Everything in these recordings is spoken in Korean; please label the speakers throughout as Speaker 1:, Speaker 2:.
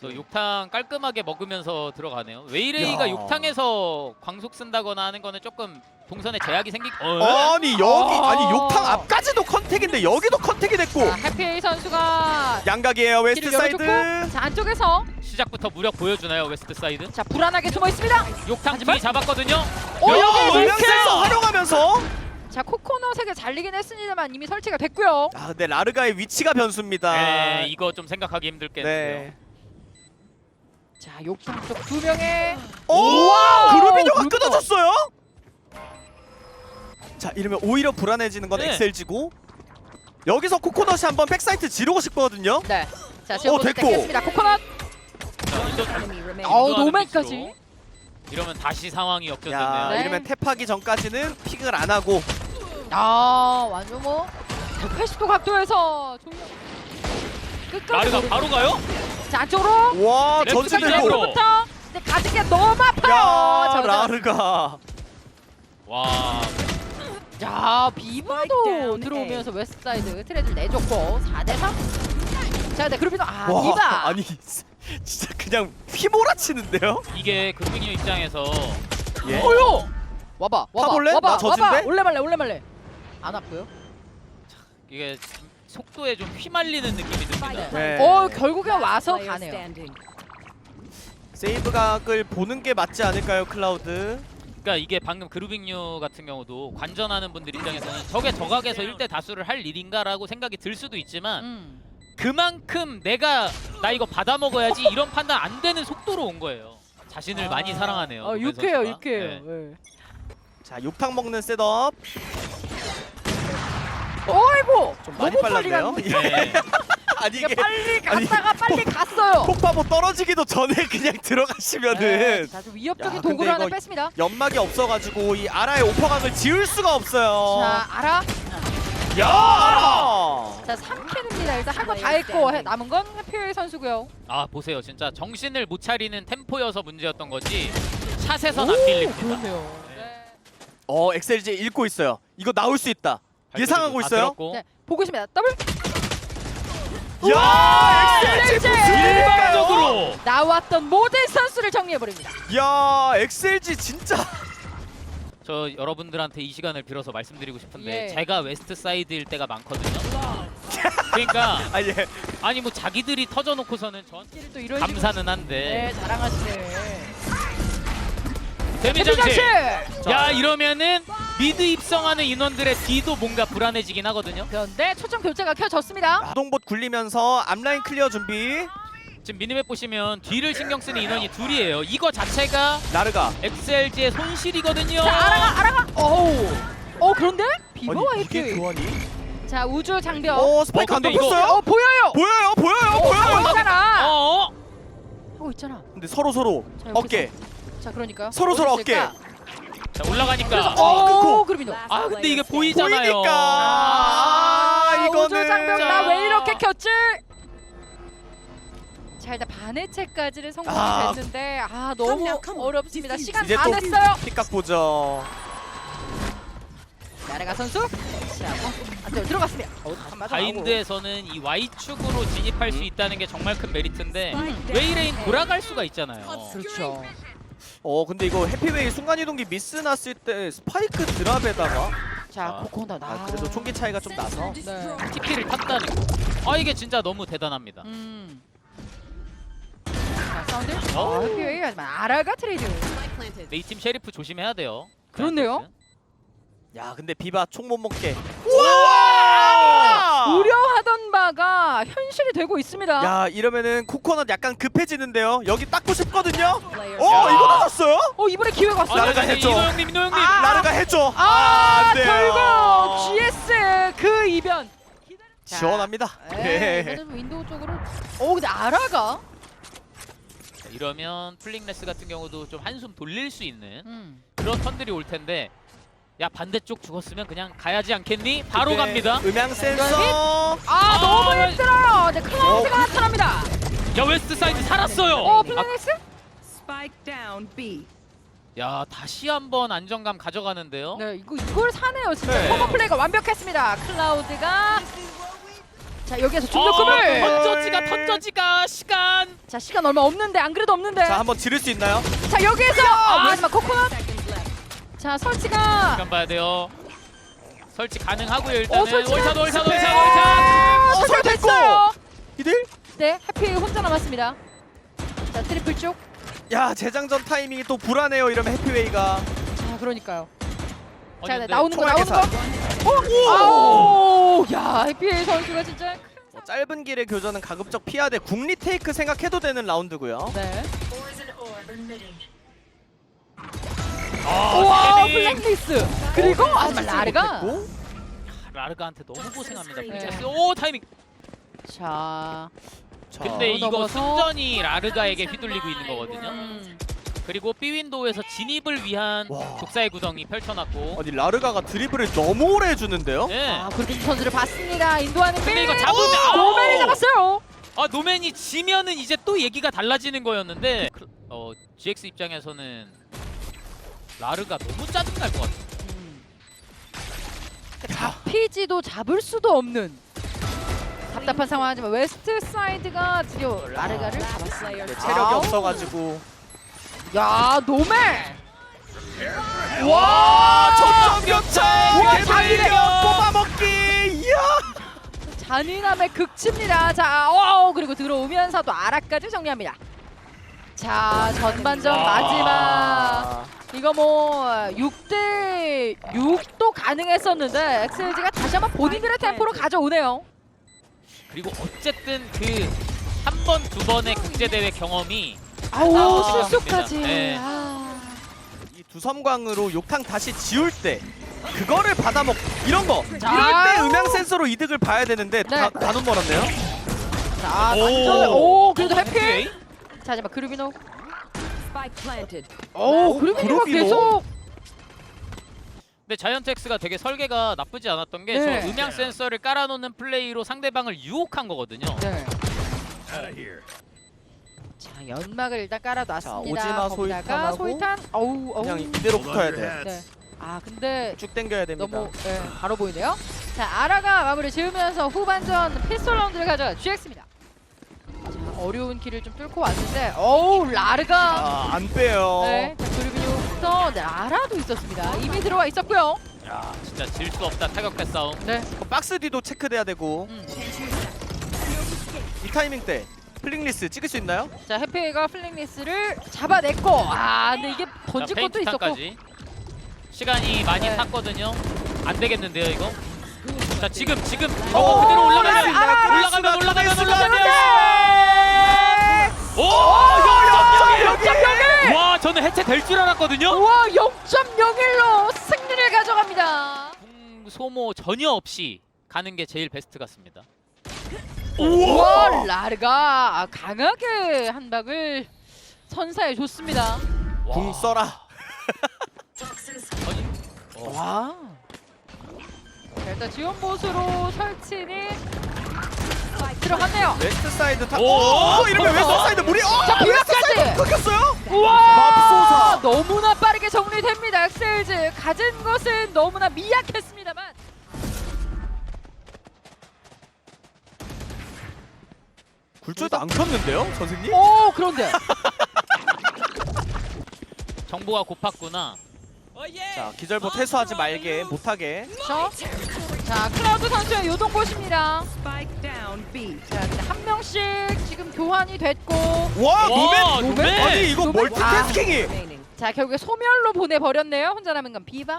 Speaker 1: 저 욕탕 깔끔하게 먹으면서 들어가네요. 웨이레이가
Speaker 2: 야.
Speaker 1: 욕탕에서 광속 쓴다거나 하는 거는 조금 동선에 제약이 생기.
Speaker 2: 아니 여기 아니 욕탕 앞까지도 컨택인데 여기도 컨택이 됐고
Speaker 3: 자, 해피에이 선수가
Speaker 2: 양각이에요 웨스트
Speaker 3: 길을
Speaker 2: 사이드.
Speaker 3: 열어줬고, 자 안쪽에서
Speaker 1: 시작부터 무력 보여주나요 웨스트 사이드?
Speaker 3: 자 불안하게 숨어 있습니다.
Speaker 1: 욕탕
Speaker 3: 하지만-
Speaker 1: 뒤 잡았거든요.
Speaker 3: 여기
Speaker 2: 음향 센서 활용하면서.
Speaker 3: 자 코코넛에게 잘리긴 했습니다만 이미 설치가 됐고요.
Speaker 2: 아 근데 라르가의 위치가 변수입니다.
Speaker 1: 네, 이거 좀 생각하기 힘들겠는데요.
Speaker 2: 네.
Speaker 3: 자 욕탕 쪽 두 명의
Speaker 2: 오!
Speaker 3: 와우!
Speaker 2: 그루비뇨가
Speaker 3: 그루비뇨.
Speaker 2: 끊어졌어요. 자 이러면 오히려 불안해지는 건
Speaker 1: 네.
Speaker 2: 엑셀지고 여기서 코코넛이 한번 백사이트 지르고 싶거든요.
Speaker 3: 네. 자 지금
Speaker 2: 됐고.
Speaker 3: 됐습니다. 코코넛.
Speaker 1: 자,
Speaker 3: 노맨까지.
Speaker 1: 이러면 다시 상황이
Speaker 2: 야
Speaker 1: 역전됐네요.
Speaker 3: 네.
Speaker 2: 이러면 탭하기 전까지는 픽을 안 하고
Speaker 3: 아 완전 뭐 180도 각도에서 조명 끝까지
Speaker 1: 라르가
Speaker 3: 노리고.
Speaker 1: 바로 가요?
Speaker 3: 자 안쪽으로
Speaker 2: 와
Speaker 1: 랩
Speaker 2: 전진되고
Speaker 1: 스피드로.
Speaker 3: 부터 근데 가진 게 너무 아파요.
Speaker 2: 야
Speaker 3: 자,
Speaker 2: 라르가
Speaker 1: 와,
Speaker 3: 자 비바도 들어오면서 웨스트사이드 트레드를 내줬고 4대3. 자 근데 그루비노
Speaker 2: 와
Speaker 3: 비바
Speaker 2: 아니 진짜 그냥 휘몰아치는데요?
Speaker 1: 이게 그루비뉴 입장에서
Speaker 2: 예.
Speaker 3: 어요 와봐
Speaker 2: 타볼래? 나
Speaker 3: 와봐
Speaker 2: 젖은데?
Speaker 3: 올레말래 안 아프요?
Speaker 1: 이게 속도에 좀 휘말리는 느낌이 듭니다.
Speaker 2: 네.
Speaker 3: 결국엔 와서 가네요.
Speaker 2: 세이브 각을 보는 게 맞지 않을까요 클라우드?
Speaker 1: 그러니까 이게 방금 그루빙류 같은 경우도 관전하는 분들 입장에서는 저게 저각에서 1대 다수를 할 일인가라고 생각이 들 수도 있지만 그만큼 나 이거 받아 먹어야지 이런 판단 안 되는 속도로 온 거예요. 자신을 많이 사랑하네요. 노맨
Speaker 3: 유쾌해요
Speaker 1: 선수가.
Speaker 3: 유쾌해요.
Speaker 1: 네.
Speaker 3: 네.
Speaker 2: 자 욕탕 먹는 셋업
Speaker 3: 어이구
Speaker 2: 좀 많이
Speaker 3: 너무 빨리
Speaker 2: 빨랐네요.
Speaker 3: 갔는데.
Speaker 1: 네.
Speaker 2: 아니
Speaker 3: 이게
Speaker 2: 이게
Speaker 3: 빨리
Speaker 2: 아니,
Speaker 3: 갔다가 빨리 갔어요.
Speaker 2: 폭파보 떨어지기도 전에 그냥 들어가시면은
Speaker 3: 자, 좀 위협적인
Speaker 2: 야,
Speaker 3: 도구를
Speaker 2: 근데
Speaker 3: 하나
Speaker 2: 이거
Speaker 3: 뺐습니다.
Speaker 2: 연막이 없어가지고 이 아라의 오퍼각을 지울 수가 없어요.
Speaker 3: 자, 알아?
Speaker 2: 야 아라!
Speaker 3: 자, 3캔입니다. 일단 할 거 다 했고 남은 건 해피웨이 선수고요.
Speaker 1: 아 보세요, 진짜 정신을 못 차리는 템포여서 문제였던 거지 샷에선 안 밀립니다.
Speaker 3: 그렇네요.
Speaker 2: 엑셀지 읽고 있어요. 이거 나올 수 있다. 예상하고
Speaker 1: 다
Speaker 2: 있어요.
Speaker 1: 들었고.
Speaker 3: 네, 보고 있습니다. 더블
Speaker 2: 야 엑셀지
Speaker 3: 엑셀지!
Speaker 2: 무슨 일일까요?
Speaker 1: 일방적으로
Speaker 3: 나왔던 모든 선수를 정리해 버립니다.
Speaker 2: 야 엑셀지 진짜
Speaker 1: 저 여러분들한테 이 시간을 빌어서 말씀드리고 싶은데
Speaker 3: 예.
Speaker 1: 제가 웨스트 사이드일 때가 많거든요. 그러니까
Speaker 2: 아예
Speaker 1: 아니 뭐 자기들이 터져놓고서는 전
Speaker 3: 또 이런
Speaker 1: 감사는 한데
Speaker 3: 네, 자랑하시네.
Speaker 1: 데미장치.
Speaker 3: 장치.
Speaker 1: 야 이러면은 미드 입성하는 인원들의 뒤도 뭔가 불안해지긴 하거든요.
Speaker 3: 그런데 초점 교체가 켜졌습니다.
Speaker 2: 아동봇 굴리면서 앞라인 클리어 준비.
Speaker 1: 지금 미니맵 보시면 뒤를 신경 쓰는 인원이 둘이에요. 이거 자체가
Speaker 2: 나르가
Speaker 1: 엑셀지의 손실이거든요.
Speaker 3: 자, 알아가. 그런데 비버와
Speaker 2: 아니 이게
Speaker 3: 해피.
Speaker 2: 교환이?
Speaker 3: 자, 우주 장벽.
Speaker 2: 스파이크 안
Speaker 1: 근데 이거-
Speaker 2: 덮였어요?
Speaker 3: 보여요.
Speaker 2: 보여요.
Speaker 3: 하고 있잖아.
Speaker 1: 어?
Speaker 3: 하고 있잖아.
Speaker 2: 근데 서로
Speaker 3: 자,
Speaker 2: 어깨.
Speaker 3: 자, 그러니까요.
Speaker 2: 서로
Speaker 3: 어디
Speaker 2: 어깨.
Speaker 3: 있을까?
Speaker 1: 자 올라가니까.
Speaker 2: 끊고.
Speaker 3: 그루비노.
Speaker 1: 아 근데 이게 보이잖아요.
Speaker 2: 보이니까 이거는
Speaker 3: 우주 장벽
Speaker 1: 자.
Speaker 3: 나 왜 이렇게 켰지? 자, 일단 반해체까지는 성공이 됐는데 너무 어렵습니다. 시간
Speaker 2: 이제
Speaker 3: 다
Speaker 2: 또
Speaker 3: 됐어요.
Speaker 2: 픽각 보죠.
Speaker 3: 나레가 선수. 자, 안쪽으로 들어갔습니다. 한 맞아
Speaker 1: 바인드에서는 이 Y축으로 진입할 수 있다는 게 정말 큰 메리트인데
Speaker 3: 음.
Speaker 1: 웨이레인 돌아갈 수가 있잖아요.
Speaker 3: 그렇죠.
Speaker 2: 근데 이거 해피웨이 순간이동기 미스 났을 때 스파이크 드랍에다가
Speaker 3: 자, 코코넛.
Speaker 2: 그래도 총기 차이가 좀 나서
Speaker 3: 네.
Speaker 1: TP를 탔다는 거. 이게 진짜 너무 대단합니다.
Speaker 3: 자, 사운드. 해피웨이 하지만 아라가 트레이드.
Speaker 1: 근데 이 팀 셰리프 조심해야 돼요.
Speaker 3: 그렇네요.
Speaker 2: 야 근데 비바 총 못 먹게.
Speaker 3: 우려하던 바가 현실이 되고 있습니다.
Speaker 2: 야 이러면은 코코넛 약간 급해지는데요. 여기 닦고 싶거든요.
Speaker 1: 야.
Speaker 2: 이거 나졌어요?
Speaker 3: 이번에 기회가 왔어요.
Speaker 2: 나르가 했죠.
Speaker 1: 이노 형님.
Speaker 2: 나르가 해줘. 안 돼요.
Speaker 3: 결국 GS 그 이변.
Speaker 2: 시원합니다.
Speaker 3: 이거는 윈도우 쪽으로. 근데 아라가.
Speaker 1: 자, 이러면 플링레스 같은 경우도 좀 한숨 돌릴 수 있는
Speaker 3: 음.
Speaker 1: 그런 턴들이 올 텐데 야 반대쪽 죽었으면 그냥 가야지 않겠니? 바로
Speaker 2: 네,
Speaker 1: 갑니다.
Speaker 2: 음향 센서.
Speaker 3: 너무 힘들어요. 네, 클라우드가 나타납니다.
Speaker 1: 야 웨스트 사이드 살았어요.
Speaker 3: 플래넥스?
Speaker 4: Spike down B.
Speaker 1: 야 다시 한번 안정감 가져가는데요.
Speaker 3: 네, 이걸 사네요. 진짜
Speaker 1: 네.
Speaker 3: 커버 플레이가 완벽했습니다. 클라우드가 자 여기에서 중력금을.
Speaker 1: 던져지가 시간.
Speaker 3: 자 시간 얼마 없는데 안 그래도 없는데.
Speaker 2: 자 한번 지를 수 있나요?
Speaker 3: 자 여기에서 하지만 코코넛. 자 설치가.
Speaker 1: 시간 봐야 돼요. 설치 가능하고요 일단은.
Speaker 3: 설치.
Speaker 1: 월샷.
Speaker 3: 설치됐어요.
Speaker 2: 이들?
Speaker 3: 네 해피 혼자 남았습니다. 자 트리플 쪽.
Speaker 2: 야 재장전 타이밍이 또 불안해요. 이러면 해피웨이가.
Speaker 3: 자 그러니까요.
Speaker 1: 아니,
Speaker 3: 자
Speaker 1: 근데
Speaker 3: 나오는 거
Speaker 2: 총알
Speaker 3: 나오는 거.
Speaker 2: 계산.
Speaker 3: 아우 야 해피 선수가 진짜.
Speaker 2: 짧은 길의 교전은 가급적 피하되 국리 테이크 생각해도 되는 라운드고요.
Speaker 3: 네. 우와 블랙리스. 그리고 하지만 라르가.
Speaker 2: 됐고.
Speaker 1: 라르가한테 너무 고생합니다.
Speaker 3: 네.
Speaker 1: 프린세스. 오 타이밍.
Speaker 3: 자.
Speaker 2: 자,
Speaker 1: 근데 이거
Speaker 3: 넘어서.
Speaker 1: 순전히 라르가에게 휘둘리고 있는 거거든요.
Speaker 3: 음.
Speaker 1: 그리고 B 윈도우에서 진입을 위한
Speaker 2: 와.
Speaker 1: 독사의 구덩이 펼쳐놨고.
Speaker 2: 아니 라르가가 드리블을 너무 오래 해주는데요.
Speaker 1: 네.
Speaker 3: 아 그루빈 선수를 봤습니다. 인도하는
Speaker 1: 근데
Speaker 3: 빌.
Speaker 1: 이거 잡으면
Speaker 3: 노맨이 잡았어요.
Speaker 1: 아 노맨이 지면은 이제 또 얘기가 달라지는 거였는데 GX 입장에서는 라르가 너무 짜증날 것 같아요.
Speaker 3: 잡히지도 잡을 수도 없는 답답한 상황이지만 웨스트 사이드가 드디어 라르가를 잡았어요.
Speaker 2: 네, 체력이 없어가지고.
Speaker 3: 야 노맨.
Speaker 2: 와
Speaker 1: 점점격차!
Speaker 2: 우와
Speaker 3: 잔인해.
Speaker 2: 잔인해요. 뽑아먹기. 이야.
Speaker 3: 잔인함의 극치입니다. 자, 그리고 들어오면서도 아라까지 정리합니다. 자, 전반전
Speaker 1: 와.
Speaker 3: 마지막. 이거 뭐 6대 6도 가능했었는데 엑셀지가 다시 한번 본인들의 템포로 가져오네요.
Speaker 1: 그리고 어쨌든 그 한 번, 두 번의 국제대회 경험이
Speaker 3: 아우
Speaker 1: 생각합니다.
Speaker 3: 실수까지.
Speaker 1: 네.
Speaker 2: 이 두섬광으로 욕탕 다시 지울 때 그거를 받아먹 이런 거
Speaker 3: 자.
Speaker 2: 이럴 때 음향 센서로 이득을 봐야 되는데
Speaker 3: 네.
Speaker 2: 다 눈 멀었네요.
Speaker 3: 자,
Speaker 1: 오.
Speaker 3: 완전 그래도 해피.
Speaker 1: 해피.
Speaker 3: 자, 하지만 그루비노.
Speaker 4: Spike planted.
Speaker 3: 그루비노가
Speaker 2: 그루비노?
Speaker 3: 계속.
Speaker 1: 근데 자이언트엑스가 되게 설계가 나쁘지 않았던 게 저
Speaker 3: 네.
Speaker 1: 음향 센서를 깔아놓는 플레이로 상대방을 유혹한 거거든요.
Speaker 3: 네. 자, 연막을 일단 깔아놨습니다.
Speaker 2: 자, 오지마
Speaker 3: 거기다가
Speaker 2: 소위탄하고
Speaker 3: 소위탄.
Speaker 2: 그냥 이대로 붙어야 돼.
Speaker 3: 네. 아, 근데
Speaker 2: 쭉 당겨야 됩니다.
Speaker 3: 너무 바로 보이네요. 자, 아라가 마무리 지으면서 후반전 피스톨 라운드를 가져간 GX입니다. 자, 어려운 길을 좀 뚫고 왔는데, 라르가.
Speaker 2: 안 빼요.
Speaker 3: 네, 자, 그루비뉴부터 아라도 있었습니다. 이미 들어와 있었고요.
Speaker 1: 야 진짜 질 수 없다 타격패 싸움.
Speaker 3: 네.
Speaker 2: 박스 뒤도 체크돼야 되고 이 타이밍 때 플링리스 찍을 수 있나요?
Speaker 3: 자, 해피가 플링리스를 잡아냈고, 근데 이게 던질 것도 있었고.
Speaker 1: 페인트탄까지. 시간이 많이
Speaker 3: 네.
Speaker 1: 탔거든요. 안 되겠는데요 이거. 자 지금 저거 그대로 올라가면 오! 와 저는 해체 될 줄 알았거든요.
Speaker 3: 우와, 0.01로 승리를 가져갑니다.
Speaker 1: 소모 전혀 없이 가는 게 제일 베스트 같습니다.
Speaker 3: 우와, 라르가 강하게 한 박을 선사해 줬습니다.
Speaker 2: 궁 써라.
Speaker 1: 아니,
Speaker 2: 와.
Speaker 3: 자, 일단 지원 보수로 설치는 들어갔네요.
Speaker 2: 웨스트 사이드 타.
Speaker 1: 오!
Speaker 2: 이러면 웨스트 사이드 무리.
Speaker 3: 자, 비박까지.
Speaker 2: 끊겼어요?
Speaker 3: 우와,
Speaker 2: 맙소사.
Speaker 3: 너무나 빠르게 정리됩니다. 엑셀즈 가진 것은 너무나 미약했습니다만.
Speaker 2: 굴절도 안 컸는데요, 선생님?
Speaker 3: 그런데.
Speaker 1: 정보가 고팠구나.
Speaker 2: 자, 기절보 퇴수하지 말게, 못하게.
Speaker 3: 자, 클라우드 선수의 요동보십니다.
Speaker 4: Spike down B.
Speaker 3: 자, 근데 한 명씩 지금 교환이 됐고,
Speaker 2: 와,
Speaker 1: 와,
Speaker 2: 노맨!
Speaker 1: 노맨!
Speaker 2: 아니 이거
Speaker 3: 노맨?
Speaker 2: 멀티태스킹이.
Speaker 4: Remaining.
Speaker 3: 자, 결국에 소멸로 보내버렸네요. 혼자 남은 건 비바.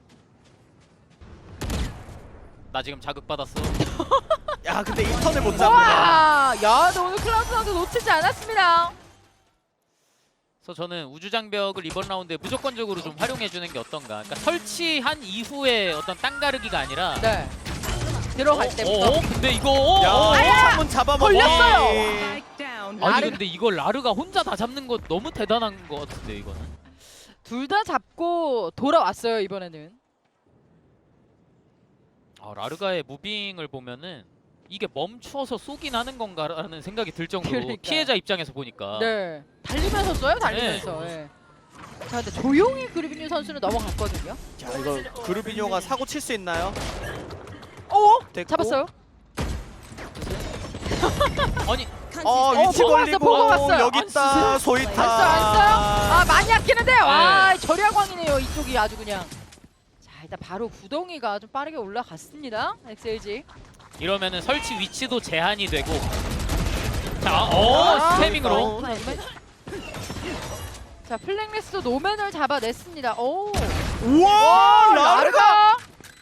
Speaker 1: 나 지금 자극받았어.
Speaker 2: 야, 근데 이 턴을 못 잡는다.
Speaker 3: 와, 야, 근데 오늘 클라우드 선수 놓치지 않았습니다.
Speaker 1: 그래서 저는 우주장벽을 이번 라운드에 무조건적으로 좀 활용해주는 게 어떤가. 그러니까 설치한 이후에 어떤 땅가르기가 아니라
Speaker 3: 네. 들어갈 때부터.
Speaker 1: 근데 이거
Speaker 2: 야, 창문 잡아먹기.
Speaker 3: 걸렸어요.
Speaker 4: Spike down.
Speaker 1: 아니
Speaker 3: 라르-
Speaker 1: 근데 이걸 라르가 혼자 다 잡는 거 너무 대단한 거 같은데 이거는.
Speaker 3: 둘 다 잡고 돌아왔어요, 이번에는.
Speaker 1: 라르가의 무빙을 보면은 이게 멈춰서 쏘긴 하는 건가라는 생각이 들 정도로
Speaker 3: 그러니까요.
Speaker 1: 피해자 입장에서 보니까.
Speaker 3: 네. 달리면서 써요, 달리면서. 네. 자, 근데 조용히 그루비뉴 선수는 넘어갔거든요.
Speaker 2: 자, 이거 그루비뇨가 사고 칠 수 있나요?
Speaker 3: 오!
Speaker 2: 됐고.
Speaker 3: 잡았어요.
Speaker 1: 아니
Speaker 2: 위치
Speaker 3: 보고
Speaker 2: 걸리고
Speaker 3: 보고 왔어요.
Speaker 2: 여기
Speaker 3: 안
Speaker 2: 있다 소이타.
Speaker 3: 안 써요? 아 많이 아끼는데 와
Speaker 1: 네.
Speaker 3: 절약왕이네요 이쪽이 아주 그냥. 자 일단 바로 구덩이가 좀 빠르게 올라갔습니다. XLG.
Speaker 1: 이러면은 설치 위치도 제한이 되고. 자,
Speaker 3: 아,
Speaker 1: 스태밍으로.
Speaker 3: 자 플랭레스도 노맨을 잡아냈습니다. 오.
Speaker 2: 우와 라르가.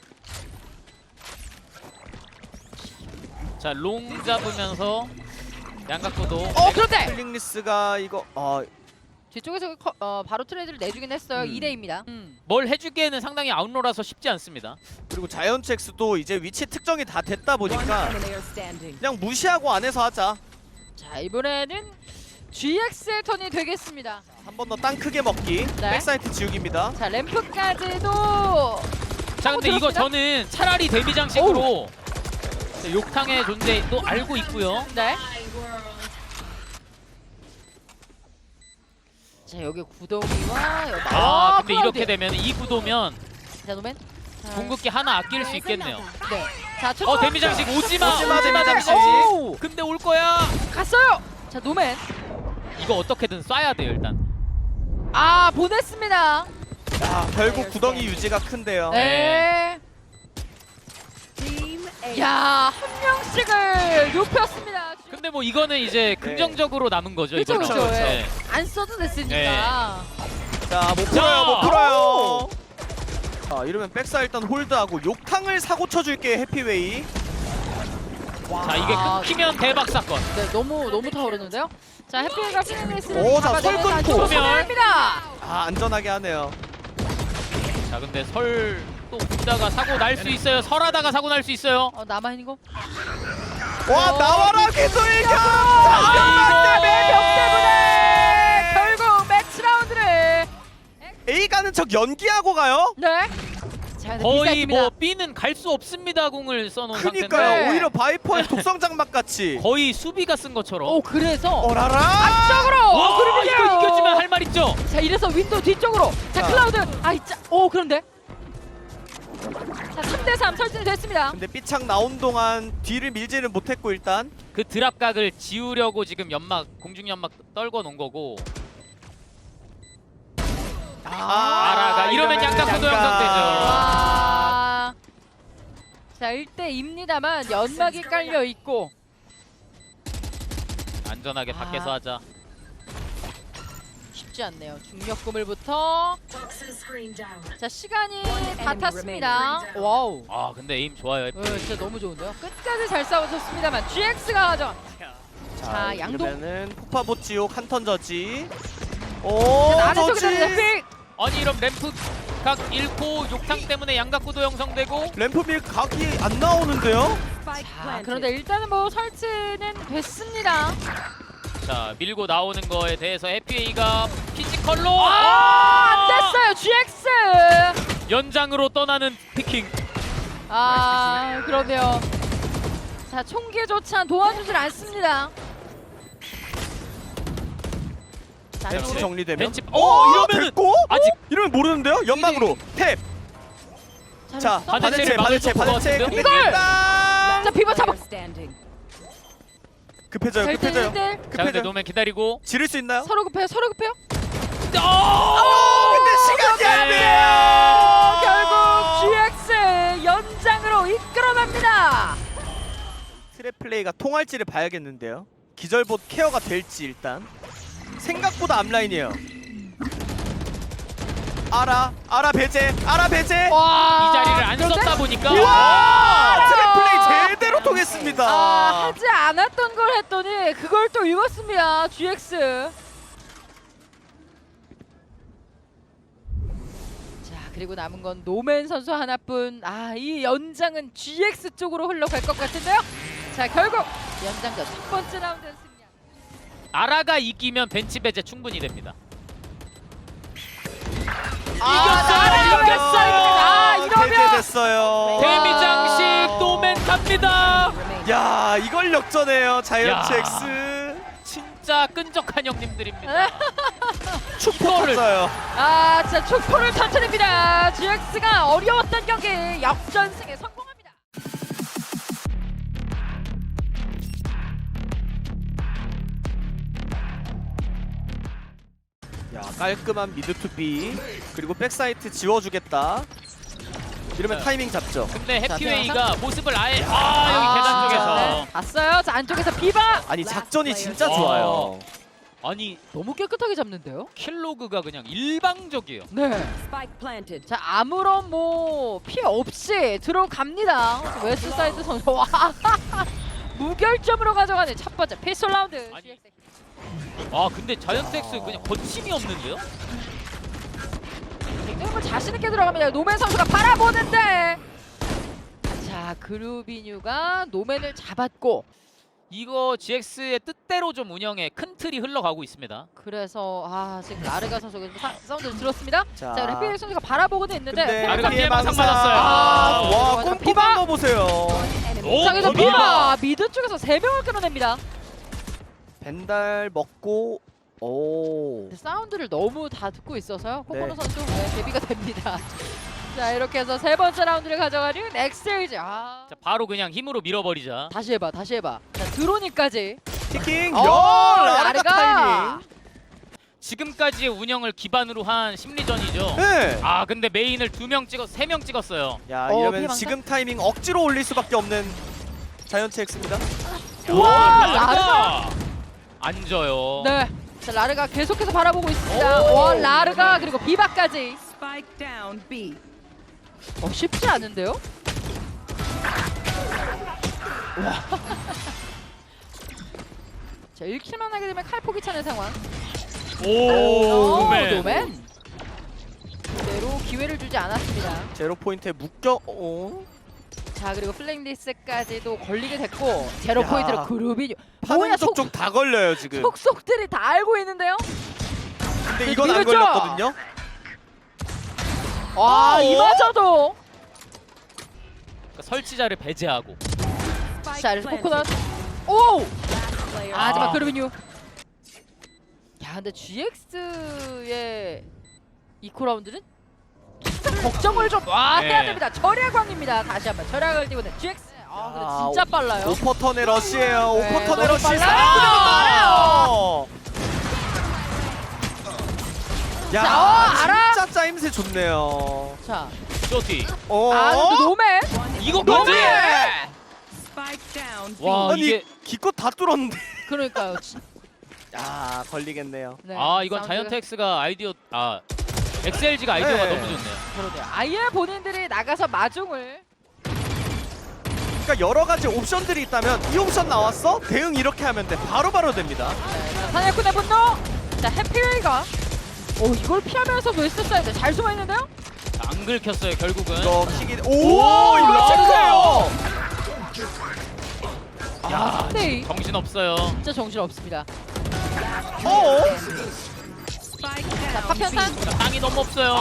Speaker 1: 자, 롱 잡으면서 양각도도.
Speaker 3: 그런데
Speaker 2: 플링리스가 이거
Speaker 3: 뒤쪽에서 바로 트레이드를 내주긴 했어요. 2대입니다.
Speaker 1: 뭘 해주기에는 상당히 아웃로라서 쉽지 않습니다.
Speaker 2: 그리고 자이언츠엑스도 이제 위치 특정이 다 됐다
Speaker 4: One
Speaker 2: 보니까
Speaker 4: player standing.
Speaker 2: 그냥 무시하고 안에서 하자.
Speaker 3: 자 이번에는 GX의 턴이 되겠습니다.
Speaker 2: 한 번 더 땅 크게 먹기.
Speaker 3: 네.
Speaker 2: 백사이트 지우기입니다.
Speaker 3: 자 램프까지도
Speaker 1: 자, 근데 이거
Speaker 3: 들었습니다.
Speaker 1: 저는 차라리 데미 장식으로 욕탕의 존재도 알고 있고요.
Speaker 3: 네. 자 여기 구덩이와 여기
Speaker 1: 근데 이렇게 되면 이 구도면
Speaker 3: 자 노맨. 자,
Speaker 1: 궁극기 하나 아낄 수 있겠네요.
Speaker 3: 네. 자 첫
Speaker 1: 데미 장식 오지마.
Speaker 2: 오지마, 데미 장식.
Speaker 3: 오!
Speaker 1: 근데 올 거야.
Speaker 3: 갔어요. 자 노맨.
Speaker 1: 이거 어떻게든 쏴야 돼요 일단.
Speaker 3: 아 보냈습니다.
Speaker 2: 결국 구덩이 유지가 큰데요.
Speaker 3: 네.
Speaker 4: Team A.
Speaker 3: 야 한 명씩을 눕혔습니다.
Speaker 1: 근데 뭐 이거는 이제 긍정적으로 남은 거죠.
Speaker 3: 그쵸,
Speaker 1: 이거는.
Speaker 3: 그쵸,
Speaker 1: 네.
Speaker 3: 안 써도 됐으니까.
Speaker 1: 네.
Speaker 2: 자, 못 풀어요, 못 풀어요. 자, 이러면 백사 일단 홀드하고 욕탕을 사고 쳐줄게 해피웨이.
Speaker 1: 자, 이게 끊기면 대박 사건.
Speaker 3: 네 너무 타오르는데요. 자 해피가 피닝리스를
Speaker 2: 오, 자,
Speaker 3: 잡아내면서
Speaker 2: 설
Speaker 3: 안쪽으로
Speaker 1: 끊고.
Speaker 3: 보냅니다.
Speaker 2: 안전하게 하네요.
Speaker 1: 자, 근데 설 또 붙다가 사고 날 수 있어요. 설하다가 사고 날 수 있어요.
Speaker 3: 남아 있는 거.
Speaker 2: 와, 나와라 기술이겨!
Speaker 3: 벽 때문에 결국 매치 라운드를
Speaker 2: A 가는 척 연기하고 가요?
Speaker 3: 네. 자, 근데
Speaker 1: 거의
Speaker 3: 비싸입니다.
Speaker 1: 뭐 B는 갈 수 없습니다. 공을 써놓은 상태인데
Speaker 2: 그니까요.
Speaker 3: 네.
Speaker 2: 오히려 바이퍼의 독성 장막 같이.
Speaker 1: 거의 수비가 쓴 것처럼.
Speaker 3: 오 그래서
Speaker 2: 어라라!
Speaker 3: 앞쪽으로.
Speaker 1: 와,
Speaker 3: 그러면요.
Speaker 1: 이거 이겨주면 할 말 있죠.
Speaker 3: 자 이래서 윈도우 뒤쪽으로. 자
Speaker 2: 자.
Speaker 3: 클라우드. 오 그런데. 자 3대3 설정이 됐습니다.
Speaker 2: 근데 삐창 나온 동안 뒤를 밀지는 못했고 일단.
Speaker 1: 그 드랍각을 지우려고 지금 연막 공중 연막 떨궈 놓은 거고. 아라가 이러면 양각 구도 형성되죠.
Speaker 3: 와. 자 1대2입니다만 연막이 깔려 있고.
Speaker 1: 안전하게 밖에서 하자.
Speaker 3: 쉽지 않네요. 중력 구물부터. 자 시간이 다 탔습니다. 와우.
Speaker 1: 아, 근데 에임 좋아요.
Speaker 3: 진짜 너무 좋은데요. 끝까지 잘 싸우셨습니다만 GX가 가져. 자 양동.
Speaker 2: 이러면은 폭파보 지옥 한 턴 저지. 오,
Speaker 3: 아래쪽에
Speaker 2: 저지.
Speaker 3: 되는 픽.
Speaker 1: 아니 이런 램프 각 잃고 욕탕 때문에 양각 구도 형성되고.
Speaker 2: 램프밀 각이 안 나오는데요?
Speaker 4: Spike
Speaker 3: 자
Speaker 4: planted.
Speaker 3: 그런데 일단은 뭐 설치는 됐습니다.
Speaker 1: 자, 밀고 나오는 거에 대해서 해피웨이가 피지컬로
Speaker 3: 안 됐어요 GX.
Speaker 1: 연장으로 떠나는 피킹.
Speaker 3: 그러네요. 자 총기조차 도와주질 않습니다. 자,
Speaker 2: 벤치
Speaker 3: 쪽으로.
Speaker 2: 정리되면.
Speaker 1: 벤치. 이러면은
Speaker 2: 됐고?
Speaker 1: 아직
Speaker 2: 이러면 모르는데요? 연막으로 탭. 자,
Speaker 3: 잘했어?
Speaker 1: 바데체를
Speaker 2: 바데체.
Speaker 1: 막을 것 같은데요?
Speaker 2: 근데
Speaker 3: 이걸!
Speaker 2: 일단
Speaker 3: 자 비버 잡아.
Speaker 4: Player standing.
Speaker 2: 급해져요.
Speaker 3: 자,
Speaker 2: 급해져요.
Speaker 3: 1대1.
Speaker 1: 자, 근데
Speaker 2: 급해져요.
Speaker 1: 노맨 기다리고.
Speaker 2: 지를 수 있나요?
Speaker 3: 서로 급해요.
Speaker 2: 근데 시간이 안 돼요.
Speaker 3: 결국 GX 연장으로 이끌어냅니다.
Speaker 2: 트랩 플레이가 통할지를 봐야겠는데요. 기절봇 케어가 될지 일단. 생각보다 앞라인이에요. 아라 배제.
Speaker 3: 와.
Speaker 1: 이 자리를 안
Speaker 3: 그런데?
Speaker 1: 썼다 보니까.
Speaker 2: 와! 트랩 플레이 제대로 통했습니다.
Speaker 3: 하지 않았던 걸 했더니 그걸 또 읽었습니다. GX. 자 그리고 남은 건 노맨 선수 하나뿐. 이 연장은 GX 쪽으로 흘러갈 것 같은데요. 자 결국 연장전 첫 번째 라운드였습니다.
Speaker 1: 아라가 이기면 벤치 배제 충분히 됩니다.
Speaker 3: 이겼어요. 이러면
Speaker 2: 배제됐어요.
Speaker 1: 데미 장식 노맨 갑니다.
Speaker 2: 야, 이걸 역전해요. 자이언츠
Speaker 1: 야.
Speaker 2: X.
Speaker 1: 진짜 끈적한 형님들입니다.
Speaker 2: 축포를 요
Speaker 3: 진짜 축포를 터뜨립니다. GX가 어려웠던 경기 역전승에 성공합니다.
Speaker 2: 깔끔한 미드 투 B 그리고 백사이트 지워주겠다. 이러면
Speaker 1: 네.
Speaker 2: 타이밍 잡죠.
Speaker 1: 근데
Speaker 3: 자,
Speaker 1: 해피웨이가 모습을 아예 여기 계단 쪽에서
Speaker 3: 네, 봤어요. 자, 안쪽에서 비바.
Speaker 2: 아니 작전이 진짜
Speaker 1: 와.
Speaker 2: 좋아요.
Speaker 1: 아니
Speaker 3: 너무 깨끗하게 잡는데요?
Speaker 1: 킬로그가 그냥 일방적이에요.
Speaker 3: 네.
Speaker 4: Spike planted.
Speaker 3: 자, 아무런 뭐 피해 없이 들어갑니다. 웨스트사이드 선수. 와. 무결점으로 가져가는 첫 번째 피스톨 라운드.
Speaker 1: 아니. 아 근데 자이언트엑스 그냥 거침이 없는데요?
Speaker 3: 굉장히 뭐 자신 있게 들어갑니다. 노맨 선수가 바라보는데. 자, 그루비뉴가 노맨을 잡았고
Speaker 1: 이거 GX의 뜻대로 좀 운영에 큰 틀이 흘러가고 있습니다.
Speaker 3: 그래서 지금 라르가 선수가 사운드를 들었습니다.
Speaker 2: 자,
Speaker 3: 자, 해피웨이 선수가 바라보고는 있는데
Speaker 2: 근데
Speaker 1: 라르가
Speaker 2: 피해
Speaker 1: 피해망상
Speaker 2: 망상.
Speaker 1: 받았어요.
Speaker 2: 와
Speaker 3: 자,
Speaker 2: 꼼꼼한 거 보세요.
Speaker 1: 오,
Speaker 3: 자, 그래서
Speaker 1: 비바!
Speaker 3: 비바 미드 쪽에서 3명을 끌어냅니다.
Speaker 2: 벤달 먹고 오.
Speaker 3: 사운드를 너무 다 듣고 있어서요. 코코노
Speaker 2: 네.
Speaker 3: 선수 대비가 됩니다. 자, 이렇게 해서 세 번째 라운드를 가져가는 엑셀즈.
Speaker 1: 자, 바로 그냥 힘으로 밀어버리자.
Speaker 3: 다시 해봐. 자, 드로니까지.
Speaker 2: 티킹.
Speaker 3: 어,
Speaker 2: 라르가
Speaker 3: 라르가.
Speaker 2: 타이밍.
Speaker 1: 지금까지의 운영을 기반으로 한 심리전이죠.
Speaker 2: 네.
Speaker 1: 아 근데 메인을 2명 찍어 3명 찍었어요.
Speaker 2: 야
Speaker 3: 피해
Speaker 2: 이러면
Speaker 3: 망상?
Speaker 2: 지금 타이밍 억지로 올릴 수밖에 없는 자이언트 X입니다.
Speaker 3: 우와,
Speaker 1: 라르가 앉아요.
Speaker 3: 네. 자, 라르가 계속해서 바라보고 있습니다. 와, 라르가 그리고 비바까지.
Speaker 4: Spike down B.
Speaker 3: 쉽지 않은데요? 자, 1킬만 하게 되면 칼폭이 차는 상황.
Speaker 1: 오, 노맨.
Speaker 3: 노맨. 그대로 기회를 주지 않았습니다.
Speaker 2: 제로 포인트에 묶여. 어?
Speaker 3: 자, 그리고 플랭리스까지도 걸리게 됐고 제로
Speaker 2: 야.
Speaker 3: 포인트로 그루비뉴.
Speaker 2: 파는
Speaker 3: 뭐야,
Speaker 2: 쪽쪽 다 걸려요 지금.
Speaker 3: 속속들이 다 알고 있는데요.
Speaker 2: 근데 이건 안
Speaker 3: 밀었죠?
Speaker 2: 걸렸거든요.
Speaker 3: 와, 이마저도.
Speaker 1: 그러니까 설치자를 배제하고.
Speaker 4: Spike
Speaker 3: 자, 그래서
Speaker 4: planted.
Speaker 3: 코코넛. 오!
Speaker 4: Last player.
Speaker 3: 하지만
Speaker 1: 아.
Speaker 3: 그루비뉴. 야, 근데 GX의 이코 라운드는 항상 걱정을 좀 해야
Speaker 1: 네.
Speaker 3: 됩니다. 절약왕입니다. 다시 한번 절약을 띄우는 GX. 근데 진짜 빨라요.
Speaker 2: 오퍼턴의 러시예요.
Speaker 3: 네,
Speaker 2: 오퍼턴의
Speaker 3: 너무
Speaker 2: 러시.
Speaker 3: 빨라요.
Speaker 2: 사랑해요. 야,
Speaker 3: 자, 알아.
Speaker 2: 진짜 짜임새 좋네요.
Speaker 3: 자,
Speaker 1: 쇼티.
Speaker 3: 근데 노맨.
Speaker 1: 이거까지.
Speaker 4: Spike down B.
Speaker 1: 와
Speaker 2: 아니
Speaker 1: 이게
Speaker 2: 기껏 다 뚫었는데.
Speaker 3: 그러니까요.
Speaker 2: 야 걸리겠네요.
Speaker 3: 네,
Speaker 1: 이건
Speaker 3: 사운드가-
Speaker 1: 자이언트 X가 아이디어 엑셀지가 아이디어가
Speaker 2: 네.
Speaker 1: 너무 좋네요.
Speaker 3: 그러네요. 아예 본인들이 나가서 마중을.
Speaker 2: 그러니까 여러 가지 옵션들이 있다면 이 옵션 나왔어? 대응 이렇게 하면 돼. 바로바로 됩니다.
Speaker 3: 자, 사냥꾼의 분노. 자, 해피웨이가. 이걸 피하면서 웨스트사이드 잘 숨어 있는데요?
Speaker 1: 자, 안 긁혔어요 결국은.
Speaker 2: 이거 킥이
Speaker 3: 우와,
Speaker 2: 이거
Speaker 3: 이거
Speaker 2: 체크해요.
Speaker 1: 야
Speaker 3: 네.
Speaker 1: 정신 없어요.
Speaker 3: 진짜 정신 없습니다.
Speaker 4: Spike
Speaker 3: 자,
Speaker 4: down
Speaker 3: 파편탄.
Speaker 4: B.
Speaker 1: 자, 땅이 너무 없어요.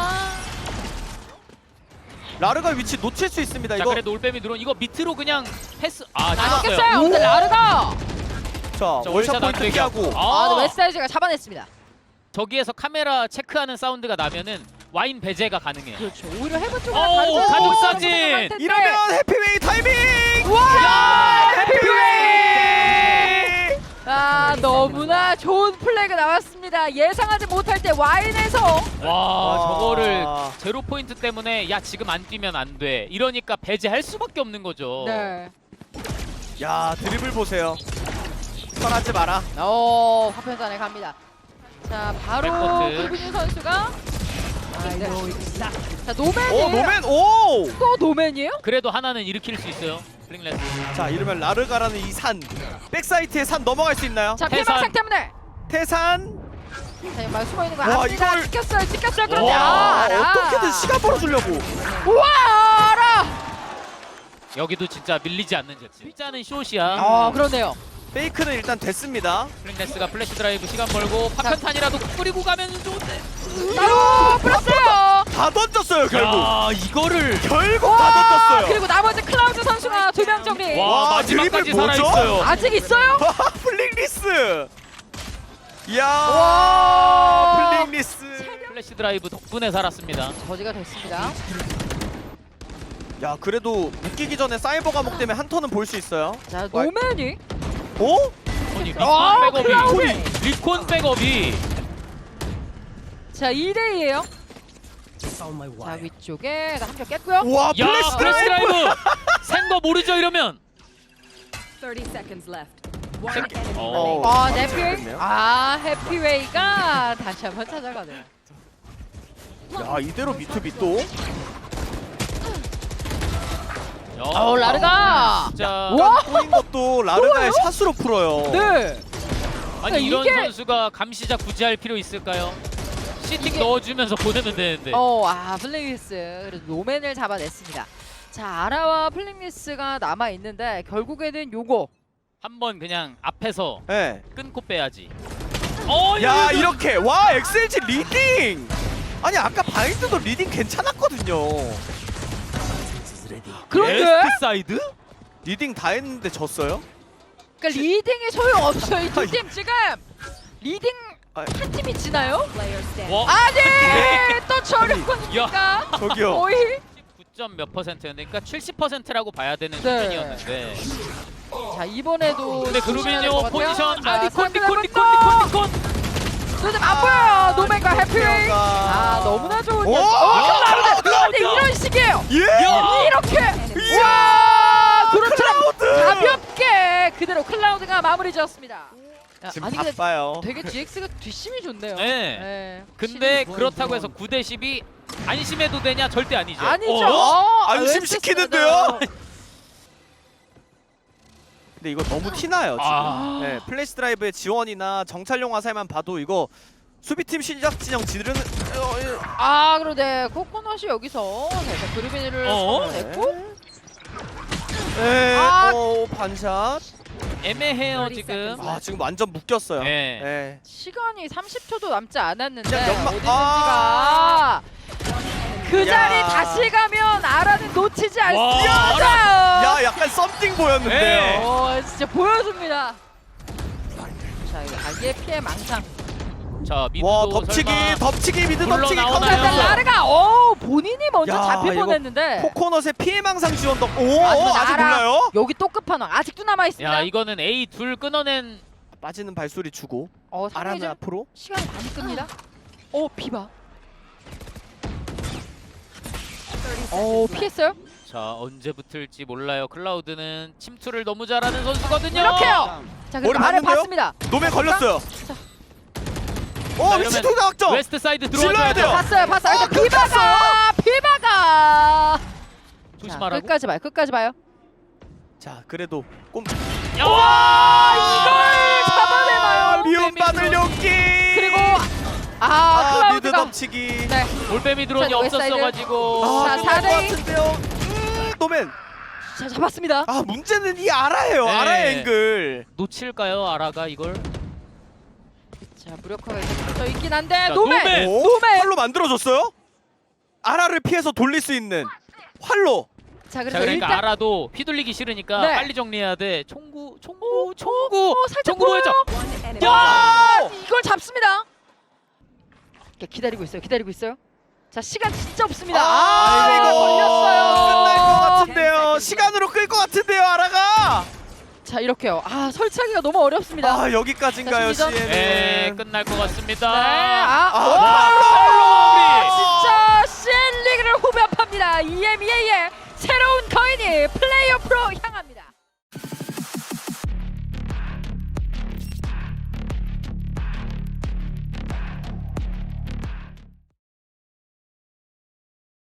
Speaker 2: 라르가 위치 놓칠 수 있습니다.
Speaker 1: 자
Speaker 2: 이거
Speaker 1: 그래도 올빼미 드론 이거 밑으로 그냥 패스.
Speaker 3: 안
Speaker 1: 찍었어요.
Speaker 3: 깼어요. 근데 라르가.
Speaker 2: 자
Speaker 1: 자,
Speaker 2: 월샷
Speaker 1: 월샷
Speaker 2: 포인트
Speaker 1: 안
Speaker 2: 피하고.
Speaker 1: 되게.
Speaker 3: 근데 웨스트사이드가 잡아냈습니다.
Speaker 1: 저기에서 카메라 체크하는 사운드가 나면은 와인 배제가 가능해요.
Speaker 3: 그렇죠. 오히려 해븐 쪽으로
Speaker 1: 오, 가족 사진!
Speaker 2: 이러면 해피웨이 타이밍.
Speaker 3: 와!
Speaker 2: 해피웨이.
Speaker 3: 너무나 좋은 플레이가 나왔습니다. 예상하지 못할 때 와인에서.
Speaker 1: 와 저거를 제로 포인트 때문에 야 지금 안 뛰면 안 돼. 이러니까 배제할 수밖에 없는 거죠.
Speaker 3: 네.
Speaker 2: 야 드리블 보세요. 선하지 마라.
Speaker 3: 화편단에 갑니다. 자, 바로
Speaker 1: 백코트.
Speaker 3: 구빈유 선수가. 자, 노맨이.
Speaker 2: 노맨 오.
Speaker 3: 또 노맨이에요?
Speaker 1: 그래도 하나는 일으킬 수 있어요. 플링레스.
Speaker 2: 자 이러면 라르가라는 이 산 백사이트의 산 넘어갈 수 있나요?
Speaker 3: 자,
Speaker 1: 태산.
Speaker 3: 피해망상 때문에.
Speaker 2: 태산.
Speaker 3: 자, 막 숨어 있는 거
Speaker 2: 와,
Speaker 3: 압니다.
Speaker 2: 이걸-
Speaker 3: 찍혔어요. 그런데
Speaker 1: 와,
Speaker 3: 알아.
Speaker 2: 어떻게든 시간 벌어주려고.
Speaker 3: 우와, 알아.
Speaker 1: 여기도 진짜 밀리지 않는 제트. 일자는 숏이야.
Speaker 3: 그렇네요.
Speaker 2: 페이크는 일단 됐습니다.
Speaker 1: 플링레스가 플래시 드라이브 시간 벌고 파편탄이라도 뿌리고 가면 좋은데.
Speaker 3: 풀었어요.
Speaker 2: 다 던졌어요 결국.
Speaker 1: 야 이거를.
Speaker 2: 결국 다 던졌어요.
Speaker 3: 그리고 나머지 클라우드 선수가 2명 정리.
Speaker 1: 와
Speaker 2: 와,
Speaker 1: 마지막까지
Speaker 2: 드리블 뭐죠?
Speaker 1: 살아있어요.
Speaker 3: 아직 있어요?
Speaker 2: 플링리스. 이야.
Speaker 3: 와.
Speaker 2: 플링리스.
Speaker 1: 플래시 드라이브 덕분에 살았습니다.
Speaker 3: 저지가 됐습니다.
Speaker 2: 야 그래도 묶이기 전에 사이버 감옥 때문에 한 턴은 볼 수 있어요.
Speaker 3: 자, 노맨이.
Speaker 2: 오?
Speaker 1: 아니
Speaker 3: 와,
Speaker 1: 리콘 백업이
Speaker 3: 클라우드!
Speaker 1: 리콘 백업이
Speaker 3: 자 2대2예요. 자 위쪽에 한 명 깼고요.
Speaker 2: 와
Speaker 1: 야
Speaker 2: 플래시
Speaker 1: 플래시
Speaker 2: 드라이브.
Speaker 1: 드라이브 센거 모르죠 이러면.
Speaker 4: 30 seconds left. One
Speaker 1: Second.
Speaker 4: enemy
Speaker 1: Oh.
Speaker 4: remaining.
Speaker 3: 아 해피웨이.
Speaker 2: 됐네요.
Speaker 3: 아 해피웨이가 다시 한번 찾아가네요.
Speaker 2: 야 이대로 미투비 또.
Speaker 3: 라르가.
Speaker 1: 진짜
Speaker 3: 와.
Speaker 2: 꼬인 것도 라르가의 샷으로 풀어요.
Speaker 3: 네.
Speaker 1: 아니 이런
Speaker 3: 이게-
Speaker 1: 선수가 감시자 굳이 할 필요 있을까요? 시팅
Speaker 3: 이게-
Speaker 1: 넣어주면서 보내면 되는데.
Speaker 3: 플링리스 그래도 노맨을 잡아냈습니다. 자 아라와 플링리스가 남아 있는데 결국에는 요거.
Speaker 1: 한번 그냥 앞에서
Speaker 2: 네.
Speaker 1: 끊고 빼야지.
Speaker 2: 야 이렇게 와 XLG 리딩. 아니 아까 바인드도 리딩 괜찮았거든요.
Speaker 3: 그런데
Speaker 1: 에스트 사이드?
Speaker 2: 리딩 다 했는데 졌어요?
Speaker 3: 그러니까 리딩이 소용 없어요. 이 두 팀 지금 리딩
Speaker 2: 아,
Speaker 3: 한 팀이 지나요?
Speaker 4: Player standing.
Speaker 1: 와,
Speaker 3: 아니 또 저력권이니까
Speaker 2: 저기요.
Speaker 3: 거의.
Speaker 1: 9점 몇 퍼센트였는데, 그러니까 70%라고 봐야 되는
Speaker 3: 네.
Speaker 1: 수준이었는데.
Speaker 3: 자 이번에도
Speaker 1: 근데 그루비뇨 포지션
Speaker 3: 자,
Speaker 1: 니콘
Speaker 3: 상대방도
Speaker 1: 니콘.
Speaker 3: 요즘 안 보여요. 노맨과 해피웨이. 아 너무나 좋은
Speaker 2: 오!
Speaker 3: 클라우드.
Speaker 1: 클라우드!
Speaker 3: 이런 식이에요.
Speaker 2: 예.
Speaker 3: 이렇게.
Speaker 2: 이야!
Speaker 3: 와 그렇죠.
Speaker 2: 클라우드!
Speaker 3: 가볍게 그대로 클라우드가 마무리 지었습니다. 야,
Speaker 2: 지금
Speaker 3: 아니 근데
Speaker 2: 바빠요.
Speaker 3: 되게 GX가 뒷심이 좋네요.
Speaker 1: 네. 근데 그렇다고 해서 9대 10이 안심해도 되냐? 절대 아니죠.
Speaker 3: 아니죠.
Speaker 2: 안심시키는데요? 근데 이거 너무 티나요 지금.
Speaker 1: 아.
Speaker 2: 네, 플래시 드라이브의 지원이나 정찰용 화살만 봐도 이거 수비팀 시작 진영 지르는.
Speaker 3: 아 그런데 코코넛이 여기서 살짝 그루비니를 냈고
Speaker 2: 네.
Speaker 3: 아.
Speaker 2: 반샷.
Speaker 1: 애매해요 지금.
Speaker 2: 아 지금 완전 묶였어요.
Speaker 1: 네.
Speaker 2: 네.
Speaker 3: 시간이 30초도 남지 않았는데
Speaker 2: 그냥 연막-
Speaker 3: 어디든지가 그 자리
Speaker 2: 야.
Speaker 3: 다시 가면 아라는 놓치지 않을 수
Speaker 1: 와,
Speaker 3: 있어요.
Speaker 2: 야 약간 썸띵 보였는데요.
Speaker 1: 네.
Speaker 3: 진짜 보여줍니다. 자 이거 아예 피해 망상.
Speaker 1: 자 미드도
Speaker 2: 와 덮치기
Speaker 1: 설마
Speaker 2: 덮치기 미드
Speaker 1: 물러
Speaker 2: 덮치기
Speaker 1: 나오나요?
Speaker 3: 일단
Speaker 2: 카운터.
Speaker 3: 라르가 본인이 먼저
Speaker 2: 야,
Speaker 3: 잡힐
Speaker 2: 이거
Speaker 3: 뻔했는데
Speaker 2: 코코넛의 피해망상 지원도. 오
Speaker 3: 하지만
Speaker 2: 아직
Speaker 3: 알아.
Speaker 2: 몰라요?
Speaker 3: 여기 또 끝판왕 아직도 남아 있습니다.
Speaker 1: 야 이거는 A 둘 끊어낸.
Speaker 2: 빠지는 발소리 주고
Speaker 3: 상당히
Speaker 2: 아라는
Speaker 3: 좀
Speaker 2: 앞으로.
Speaker 3: 시간이 많이 끕니다. 비바. 피했어요?
Speaker 1: 자 언제 붙을지 몰라요. 클라우드는 침투를 너무 잘하는 선수거든요.
Speaker 3: 이렇게요. 자 그리고
Speaker 2: 머리
Speaker 3: 아래
Speaker 2: 맞는데요?
Speaker 3: 봤습니다.
Speaker 2: 노맨 걸렸어요.
Speaker 3: 자.
Speaker 2: 위치 투자 확정.
Speaker 1: 웨스트 사이드
Speaker 2: 질러야
Speaker 1: 들어와줘야
Speaker 2: 돼요.
Speaker 1: 돼요.
Speaker 3: 봤어요. 일단 비바가.
Speaker 1: 조심하라고.
Speaker 3: 끝까지 봐요.
Speaker 2: 자 그래도 꼼.
Speaker 1: 와
Speaker 3: 이걸 잡아내나요?
Speaker 2: 미움받을 용기.
Speaker 3: 그리고 클라우드가
Speaker 2: 미드 덮치기.
Speaker 3: 네.
Speaker 1: 올빼미 드론이
Speaker 3: 자, 웨스트사이드.
Speaker 1: 없었어가지고.
Speaker 3: 자,
Speaker 2: 끝날 것
Speaker 3: 4대2.
Speaker 2: 같은데요. 노맨.
Speaker 3: 자 잡았습니다.
Speaker 2: 문제는 이 아라예요.
Speaker 1: 네.
Speaker 2: 아라의 앵글.
Speaker 1: 놓칠까요 아라가 이걸?
Speaker 3: 자 무력화가 있어 있긴 한데
Speaker 1: 자,
Speaker 3: 노맨.
Speaker 2: 오?
Speaker 3: 노맨.
Speaker 2: 활로 만들어줬어요? 아라를 피해서 돌릴 수 있는 활로.
Speaker 3: 자 그래서
Speaker 1: 자 그러니까
Speaker 3: 일단
Speaker 1: 알아도 휘둘리기 싫으니까
Speaker 3: 네.
Speaker 1: 빨리 정리해야 돼. 총구
Speaker 3: 살짝
Speaker 1: 총구 보여줘.
Speaker 4: One enemy.
Speaker 3: 야 이걸 잡습니다. 기다리고 있어요. 자 시간 진짜 없습니다.
Speaker 2: 아이고.
Speaker 3: 걸렸어요.
Speaker 2: 끝날 것 같은데요.
Speaker 4: 10 seconds
Speaker 2: 시간으로 끌 것 같은데요, 아라가.
Speaker 3: 자 이렇게요. 설치하기가 너무 어렵습니다.
Speaker 2: 여기까지인가요,
Speaker 3: 자,
Speaker 2: CN은?
Speaker 1: 네 끝날 것 같습니다.
Speaker 3: 진짜 CN 리그를 후벼팝니다. EMEA의 새로운 거인이 플레이오프로 향합니다.